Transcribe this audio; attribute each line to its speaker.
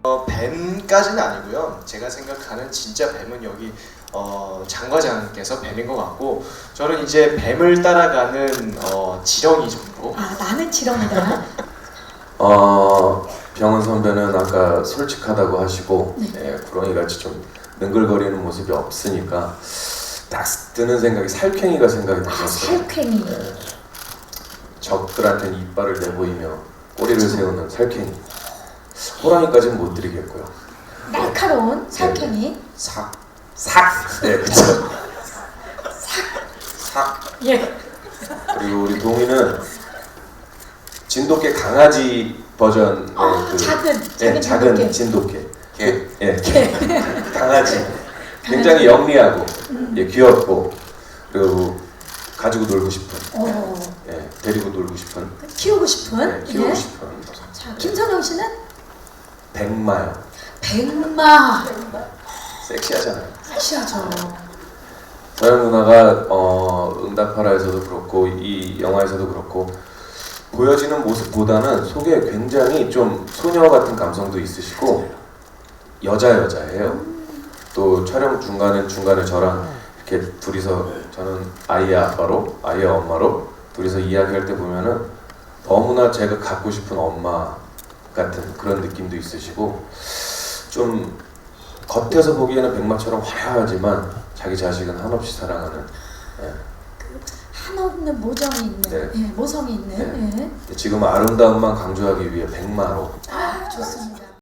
Speaker 1: 뱀까지는 아니고요. 제가 생각하는 진짜 뱀은 여기 장 과장께서 뱀인 것 같고, 저는 이제 뱀을 따라가는 지렁이 정도.
Speaker 2: 아, 나는 지렁이다.
Speaker 3: 병은 선배는 아까 솔직하다고 하시고
Speaker 2: 네.
Speaker 3: 예, 구렁이같이 좀 능글거리는 모습이 없으니까 딱 드는 생각이 살쾡이가 생각이
Speaker 2: 아,
Speaker 3: 났었어요.
Speaker 2: 살쾡이.
Speaker 3: 예, 적들한테는 이빨을 내보이며 꼬리를 세우는 살쾡이. 호랑이까지는 못 드리겠고요.
Speaker 2: 날카로운 살쾡이.
Speaker 3: 삭. 네, 그쵸. 삭.
Speaker 2: 예.
Speaker 3: 그리고 우리 동이는 진돗개 강아지 버전의
Speaker 2: 작은
Speaker 3: 작은
Speaker 2: 진돗개.
Speaker 3: 진돗개. 강아지. 굉장히 영리하고 귀엽고, 그리고 가지고 놀고 싶은, 데리고 놀고 싶은,
Speaker 2: 키우고 싶은.
Speaker 3: 키우고
Speaker 2: 예.
Speaker 3: 싶은.
Speaker 2: 자, 김선영 씨는
Speaker 3: 백마요.
Speaker 2: 백마.
Speaker 3: 섹시하잖아요.
Speaker 2: 섹시하죠.
Speaker 3: 서영 누나가 응답하라에서도 그렇고 이 영화에서도 그렇고 보여지는 모습보다는 속에 굉장히 좀 소녀 같은 감성도 있으시고 여자예요. 또 촬영 중간에 저랑 이렇게 둘이서, 저는 아이의 아빠로, 아이의 엄마로 둘이서 이야기할 때 보면은 너무나 제가 갖고 싶은 엄마 같은 그런 느낌도 있으시고, 좀 겉에서 보기에는 백마처럼 화려하지만 자기 자식은 한없이 사랑하는,
Speaker 2: 한없는 모정이 있는,
Speaker 3: 네.
Speaker 2: 예, 모성이 있는.
Speaker 3: 네.
Speaker 2: 예.
Speaker 3: 지금 아름다움만 강조하기 위해 백마로
Speaker 2: 아, 좋습니다.